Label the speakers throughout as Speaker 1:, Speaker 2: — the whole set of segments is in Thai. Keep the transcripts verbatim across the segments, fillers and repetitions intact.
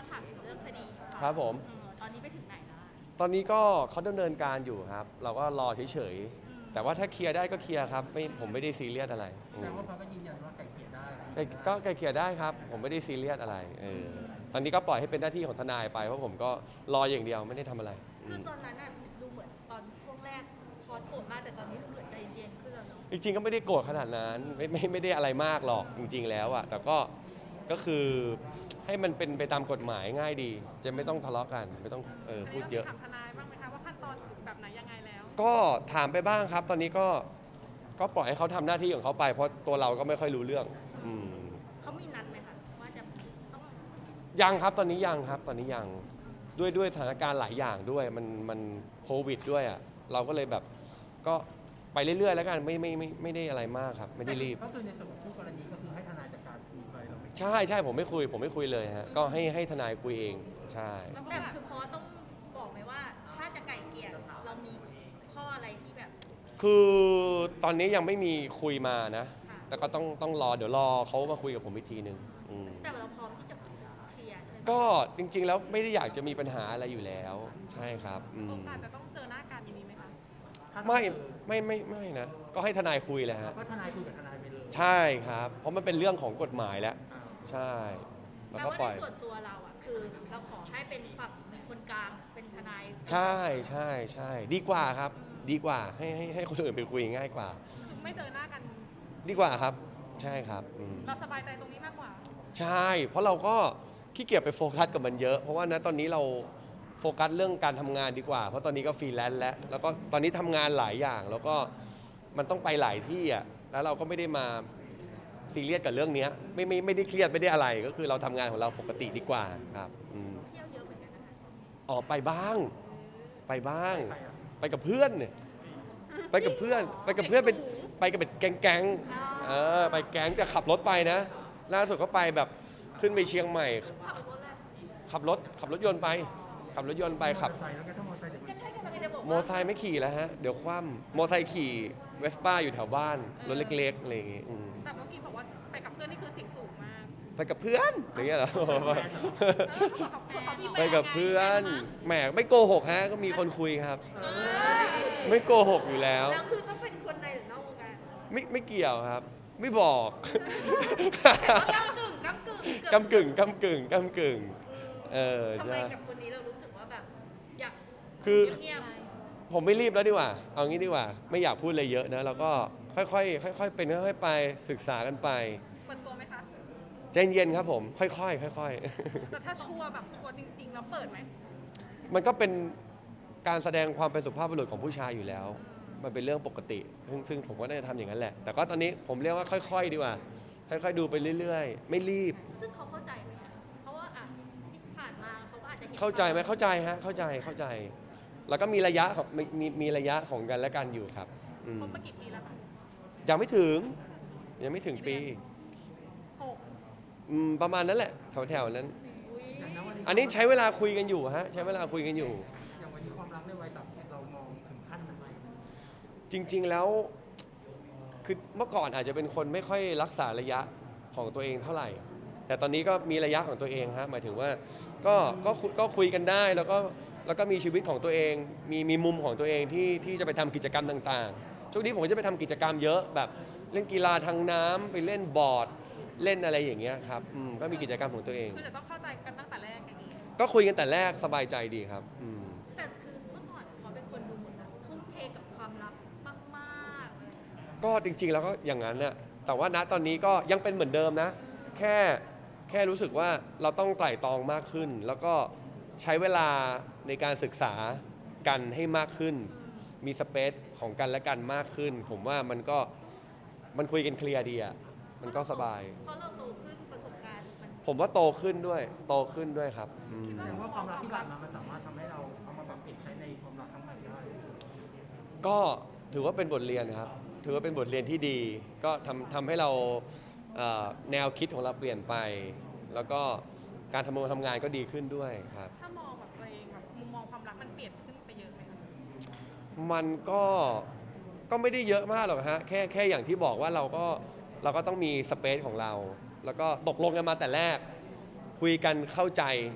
Speaker 1: ถามถึงเรื่องคดีค่ะ
Speaker 2: ครับผม
Speaker 1: ตอนนี้ไปถึงไหนแล้ว
Speaker 2: ตอนนี้ก็เขาดำเนินการอยู่ครับ เราก็รอเฉยๆแต่ว่าถ้าเคลียร์ได้ก็เคลียร์ครับไม่ผมไม่ได้ซีเรียสอะไรอืม
Speaker 3: แต่ว่าเขาก็ยืนยันว่าไก่เกลี่ยได้
Speaker 2: ไกลก็ไกลเกลี่ยได้ครับ ผมไม่ได้ซีเรียสอะไรเออตอนนี้ก็ปล่อยให้เป็นหน้าที่ของทนายไปเพราะผมก็รออย่างเดียวไม่ได้ทำอะไรอื
Speaker 1: คือ
Speaker 2: ม
Speaker 1: ตอนนั้นน่ะดูเหมือนตอนช่วงแรกคอสโกรธมากแต่ตอนนี้ดูเหมือนใจเย็นขึ้นแล้วเนาะ
Speaker 2: จริงๆก็ไม่ได้โกรธขนาดนั้นไม่ไม่ไม่ได้อะไรมากหรอกจริง ๆ แล้วอะแต่ก็ก็คือให้มันเป็นไปตามกฎหมายง่ายดี จะไม่ต้องทะเลาะกันไม่ต้องเออพูดเยอะ
Speaker 4: ถามทนายบ้างไหมคะว่าขั้นตอนแบบไหนยังไงแล้ว
Speaker 2: ก็ถามไปบ้างครับ ตอนนี้ก็ก็ปล่อยให้เขาทำหน้าที่ของเขาไป เพราะตัวเราก็ไม่ค่อยรู้เรื่องอืม
Speaker 1: เขามีนัดไหมคะว่าจะต้อง
Speaker 2: ยังครับตอนนี้ยังครับตอนนี้ยังด้วยด้วยสถานการณ์หลายอย่างด้วยมันมันโควิดด้วยอ่ะเราก็เลยแบบก็ไปเรื่อยๆแล้วกันไม่ไม่ไม่ไม่ได้อะไรมากครับไม่ได้รีบ
Speaker 3: ก็คือในส่วนของคู่กรณีก็คือให้ทนายจัดการคุยไปเราไม่
Speaker 2: ใช่ใช่ผมไม่คุย ผมไม่คุยเลยฮะก็ให้ให้ทนายคุยเองใช่
Speaker 1: แต่คือคอสต้องบอกไหมว่าถ้าจะไก่เกลี่ยเรามีข้ออะไรที่แบบ
Speaker 2: คือตอนนี้ยังไม่มีคุยมานะ
Speaker 1: ค่ะ
Speaker 2: แต่ก็ต้องต้องรอเดี๋ยวรอเขามาคุยกับผมอีกทีหนึ่งอืม
Speaker 1: แต่เราพร้อมที่จะเคลียร์ใช่ไหม
Speaker 2: ก็จริงๆแล้วไม่ได้อยากจะมีปัญหาอะไรอยู่แล้วใช่ครับอื
Speaker 4: โอ
Speaker 2: ม
Speaker 4: กาสจะต้องเจอหน้ากันมีไหมคะ
Speaker 2: ไม่ไม่ไม่ไม่นะก็ให้ทนายคุยแหละฮะ
Speaker 3: ก็ทนายคุยกับทนายไปเลย
Speaker 2: ใช่ครับ เพราะมันเป็นเรื่องของกฎหมายแล้ว
Speaker 3: อ่า
Speaker 2: ใช่แล้ว
Speaker 1: แปล
Speaker 2: ก็
Speaker 1: ว่า
Speaker 2: ปล่อย
Speaker 1: ในส่วนตัวเราอ่ะคือเราขอให้เป็นฝั่งคนกลางเป็นทนาย
Speaker 2: ใช่ใช่ใช่ดีกว่าครับ ดีกว่าให้ให้ให้คนอื่นไปคุยง่ายกว่า
Speaker 4: คือไม่เจอหน้ากัน
Speaker 2: ดีกว่าครับ ใช่ครับอืม
Speaker 4: เราสบายใจตรงนี้มากกว่า
Speaker 2: ใช่ เพราะเราก็ขี้เกียจไปโฟกัสกับมันเยอะ เพราะว่านะตอนนี้เราโฟกัสเรื่องการทำงานดีกว่า เพราะตอนนี้ก็ฟรีแลนซ์แล้ว แล้วก็ตอนนี้ทำงานหลายอย่าง แล้วก็มันต้องไปหลายที่อ่ะ แล้วเราก็ไม่ได้มาซีเรียสกับเรื่องเนี้ยไม่ไม่ไม่ได้เครียดไม่ได้อะไร ก็คือเราทำงานของเราปกติดีกว่าครับอืม
Speaker 1: เที่ยวเยอะเหมือนกันนะคะ
Speaker 2: ออกไปบ้าง ไปบ้าง
Speaker 3: ใครอ่ะ
Speaker 2: ไปกับเพื่อนเนี่ยไปกับเพื่อน ไปกับเพื่อนเป็นไปกับเป็นแก๊งๆเออไปแก๊งแต่ขับรถไปนะล่าสุดก็ไปแบบขึ้นไปเชียงใหม่
Speaker 1: ขับรถแหละ
Speaker 2: ขับรถขับรถยนต์ไป ขับรถยนต์ไปขับ
Speaker 3: มอเตอร์ไซค์แล้วก็ถ้ามอเตอร์ไซค์เดี๋ยว
Speaker 1: ก็ใช่กำลังจะบอก
Speaker 2: โม
Speaker 1: ว่า
Speaker 2: ไซค์ไม่ขี่แล้วฮะเดี๋ยวคว่ำโมไซค์ขี่เวสป้าอยู่แถวบ้านรถเล็กๆอะไรอย่างงี้อืม
Speaker 4: แต่เมื่อกี้บอกว่าไปกับเพื่อนนี่คือเสิ่งสูงมาก
Speaker 2: ไปกับเพื่อนอย่างเงี้ยเหรอ
Speaker 4: เออเขาบอกเขาเขามีแฟน
Speaker 2: ไปกับเพื่อนแหมไม่โกหกฮะก็มีคนคุยครับ
Speaker 1: เอ้ย
Speaker 2: ไม่โกหกอยู่แล้ว
Speaker 1: แล้วคือต้องเป็นคนในหรือนอกวงการ
Speaker 2: ไม่ไม่เกี่ยวครับ ไม่บอก
Speaker 1: กำกึ่งกำกึ่ง
Speaker 2: กำกึ่งกำกึ่งกำกึ่งเออ
Speaker 1: ทำไม
Speaker 2: ใช่
Speaker 1: กับคนนี้เรารู้สึกว่าแบบอยาก
Speaker 2: คือ
Speaker 1: เงียบ
Speaker 2: ผมไม่รีบแล้วดีกว่า เอางี้ดีกว่า ไม่อยากพูดอะไรเยอะนะแล้วก็ค่อยๆค่อยๆเป็นค่อยๆไปศึกษากันไป
Speaker 4: เปิดตัวไหมคะ
Speaker 2: ใจเย็นครับผม ค่อยๆค่อย
Speaker 4: แต่ถ้าชัวร์แบบชัวร์จริงๆแล้วเปิดไหม
Speaker 2: ๆ มันก็เป็นการแสดงความเป็นสุภาพบุรุษของผู้ชายอยู่แล้ว มันเป็นเรื่องปกติ ซึ่งซึ่งผมก็น่าจะทำอย่างนั้นแหละ แต่ก็ตอนนี้ผมเรียกว่าค่อยๆดีกว่า ค่อยๆดูไปเรื่อยๆ ไม่รีบ
Speaker 1: ซึ่งเขาเข้าใจไหมอะเพราะว่าอ่ะที่ผ่านมาเขาก็อาจจะเห็น
Speaker 2: เข้าใจไหมเข้าใจฮะ เข้าใจ เข้าใจ แล้วก็มีระยะของมีมีมีระยะของกันและกันอยู่ครับอืม
Speaker 4: คบมากี่ปีแล้วคะ
Speaker 2: ยังไม่ถึง ยังไม่ถึงปี
Speaker 4: หก
Speaker 2: อืมประมาณนั้นแหละ แถวๆนั้น
Speaker 1: อุ๊ย
Speaker 3: อย่างนั้นวันนี้
Speaker 2: อันนี้ใช้เวลาคุยกันอยู่ฮะ ใช้เวลาคุยกันอยู่
Speaker 3: อย่างวันนี้ความรักในวัยสามสิบเรามองถึงขั้นนั้นไหม
Speaker 2: จริง ๆ แล้ว คือเมื่อก่อนอาจจะเป็นคนไม่ค่อยรักษาระยะของตัวเองเท่าไหร่ แต่ตอนนี้ก็มีระยะของตัวเองฮะ หมายถึงว่า ก็ก็คุก็คุยกันได้ แล้วก็ แล้วก็มีชีวิตของตัวเอง มีมีมุมของตัวเองที่ที่จะไปทำกิจกรรมต่างๆ ช่วงนี้ผมก็จะไปทำกิจกรรมเยอะ แบบเล่นกีฬาทางน้ำไปเล่นบอร์ด เล่นอะไรอย่างเงี้ยครับอืมก็มีกิจกรรมของตัวเอง
Speaker 4: คือจะต้องเข้าใจกันตั้งแต่แรกอย่างนี้
Speaker 2: ก็คุยกันแต่แรกสบายใจดีครับอืม
Speaker 1: แต่คือเมื่อก่อนเขาเป็นคนดูเหมือนแบบทุ่มเทกับความรักมากๆเลย
Speaker 2: ก็จริงๆ แล้วก็อย่างนั้นน่ะแต่ว่าณตอนนี้ก็ยังเป็นเหมือนเดิมนะ แค่แค่รู้สึกว่าเราต้องไตร่ตรองมากขึ้น แล้วก็ใช้เวลาในการศึกษากันให้มากขึ้น มีสเปซของกันและกันมากขึ้น ผมว่ามันก็มันคุยกันเคลียร์ดีอ่ะมันก็สบาย
Speaker 1: เพราะเราโตขึ้นประสบการณ์มัน
Speaker 2: ผมว่าโตขึ้นด้วย โตขึ้นด้วยครับอืม
Speaker 3: แสดงว่าความรักที่ผ่านมามันสามารถทำให้เราเอามาปรับเปลี่ยนใช้ในความรักครั้งใหม่ได้
Speaker 2: ก็ถือว่าเป็นบทเรียนครับ ถือว่าเป็นบทเรียนที่ดี ก็ทำทำให้เราเอ่อแนวคิดของเราเปลี่ยนไป แล้วก็การทำงานทำงานก็ดีขึ้นด้วยครับ
Speaker 4: ถ้ามองแบบตัวเองแบบมุมมองความรักมันเปลี่ยนขึ้นไปเยอะไหมคะ
Speaker 2: มันก็ก็ไม่ได้เยอะมากหรอกฮะแค่แค่อย่างที่บอกว่าเราก็เราก็ต้องมีสเปซของเรา แล้วก็ตกลงกันมาแต่แรก คุยกันเข้าใจ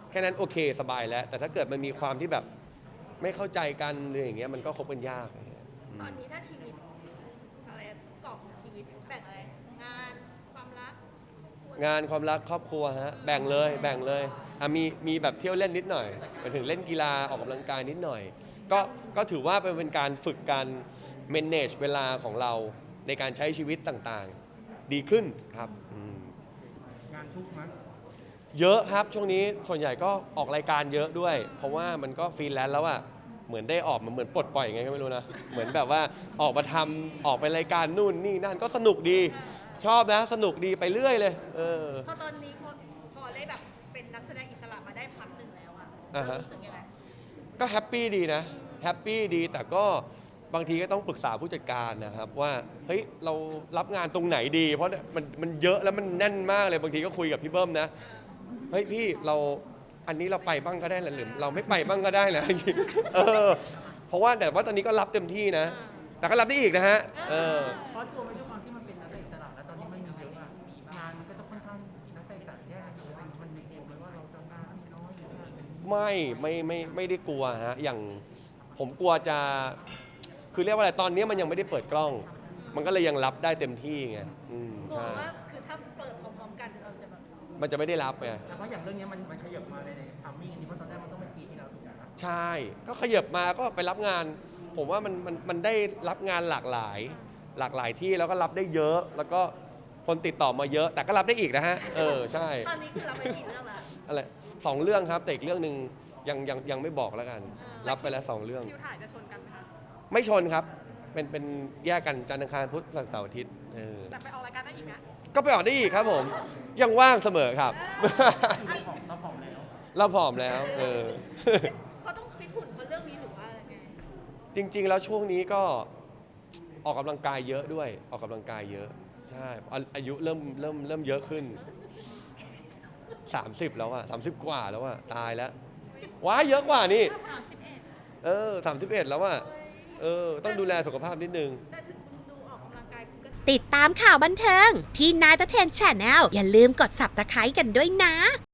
Speaker 2: แค่นั้นโอเคสบายแล้ว แต่ถ้าเกิดมันมีความที่แบบไม่เข้าใจกันหรืออย่างเงี้ยมันก็คบกันยากอะไรเงี้ยอื
Speaker 1: ตอน
Speaker 2: ม
Speaker 1: นี้ถ้าชีวิตอะไรกรอบของชีวิตแบ่งอะไรงานความรัก
Speaker 2: งานความรักครอบครัวฮะแบ่งเลยแบ่งเลยอ่ะมีมีแบบเที่ยวเล่นนิดหน่อยไปถึงเล่นกีฬาออกกำลังกายนิดหน่อย ก็ก็ถือว่าเป็นเป็นการฝึกการ manage เวลาของเราในการใช้ชีวิตต่างๆ ดีขึ้นครับอืม
Speaker 3: งานชุกมั้ย
Speaker 2: เยอะครับช่วงนี้ส่วนใหญ่ก็ออกรายการเยอะด้วย เพราะว่ามันก็ฟรีแลนซ์แล้วอะเหมือนได้ออกมันเหมือนปลดปล่อยไงก็ไม่รู้นะเหมือนแบบว่าออกมาทำออกไปรายการนู่นนี่นั่นก็สนุกดีชอบนะสนุกดีไปเรื่อยเลยเออ
Speaker 1: พอตอนนี้พอพอได้แบบเป็นนักแสดงอิสระมาได้พักหนึ่งแล้วอะ
Speaker 2: อ่าฮะ
Speaker 1: รู้สึกยังไง
Speaker 2: ก็แฮปปี้ดีนะแฮปปี้ดีแต่ก็บางทีก็ต้องปรึกษาผู้จัดการนะครับว่าเฮ้ยเรารับงานตรงไหนดี เพราะมันมันเยอะแล้วมันแน่นมากเลยบางทีก็คุยกับพี่เบิ้มนะเฮ้ยพี่เราอันนี้เราไปบ้างก็ได้แหละหรือเราไม่ไปบ้างก็ได้นะจริงๆเออเพราะว่าแต่ว่าตอนนี้ก็รับเต็มที่นะ แต่ก็รับได้อีกนะฮะเออ
Speaker 3: เพราะตัวไม่ใช่ความที่มันเป็นนักแสดงอิสระแล้วตอนนี้มันมีเยอะอะงานมันก็จะค่อนข้างนักแสดงอิสระแยกกันอยู่มันมีเกมไหมว่าเราจะงานมีน้อยหรือว่าเป็น
Speaker 2: ไม่ไม่ไม่ไม่ได้กลัวฮะอย่างผมกลัวจะคือเรียกว่าอะไรตอนนี้มันยังไม่ได้เปิดกล้อง มันก็เลยยังรับได้เต็มที่ไงอืม
Speaker 1: กลัว
Speaker 2: ใช่
Speaker 1: ว่าคือถ้าเปิดพร้อมๆกันเราจะแบบ
Speaker 2: มันจะไม่ได้รับไง
Speaker 3: แต่เพราะอย่างเรื่องนี้มันมันขยับมาในในทามมิ่งอันนี้เพราะตอนแรกมันต้องเป็นปีที่แล้วถูกไหมครับ
Speaker 2: ใช่ก็ขยับมาก็ไปรับงาน ผมว่ามันมันมันได้รับงานหลากหลาย หลากหลายที่แล้วก็รับได้เยอะ แล้วก็คนติดต่อมาเยอะ แต่ก็รับได้อีกนะฮะเออใช่
Speaker 1: ตอนนี้คือเราไปกี่เรื่องละ
Speaker 2: อะไรสองเรื่องครับแต่อีกเรื่องหนึ่งยังยังยังไม่บอกแล้วกัน รับไปแล้วสองเรื่อง
Speaker 4: คิวถ่ายจะชนกันไหมคะ
Speaker 2: ไม่ชนครับ เป็นเป็นแยกกันจันทร์อังคารพุธพฤหัสเสาร์อาทิตย์เออ
Speaker 4: แต่ไปออกรายการได้อีกนะ
Speaker 2: ก็ไปออกได้อีกครับผม ยังว่างเสมอครับ
Speaker 3: เราผอมเราผอมแล้ว
Speaker 2: เราผอมแล้วเออ
Speaker 1: เพราะต้องฟิตหุ่นเพราะเรื่องนี้หรือว่าอะไรไง
Speaker 2: จริง ๆ แล้วช่วงนี้ก็ออกกำลังกายเยอะด้วย ออกกำลังกายเยอะ ใช่อาอายุเริ่มเริ่มเริ่มเยอะขึ้น สามสิบแล้วอะสามสิบกว่าแล้วอะตายแล้วว้ายเยอะกว่านี่เออสามสิบเอ็ดแล้วอะเออ ต้องดูแลสุขภาพนิดนึง
Speaker 1: แต่ถึงคุณดูออกกำลังกายคุณก็
Speaker 5: ติดตามข่าวบันเทิง พี่นายตะเทนแชนแนลอย่าลืมกด ซับสไครบ์ กันด้วยนะ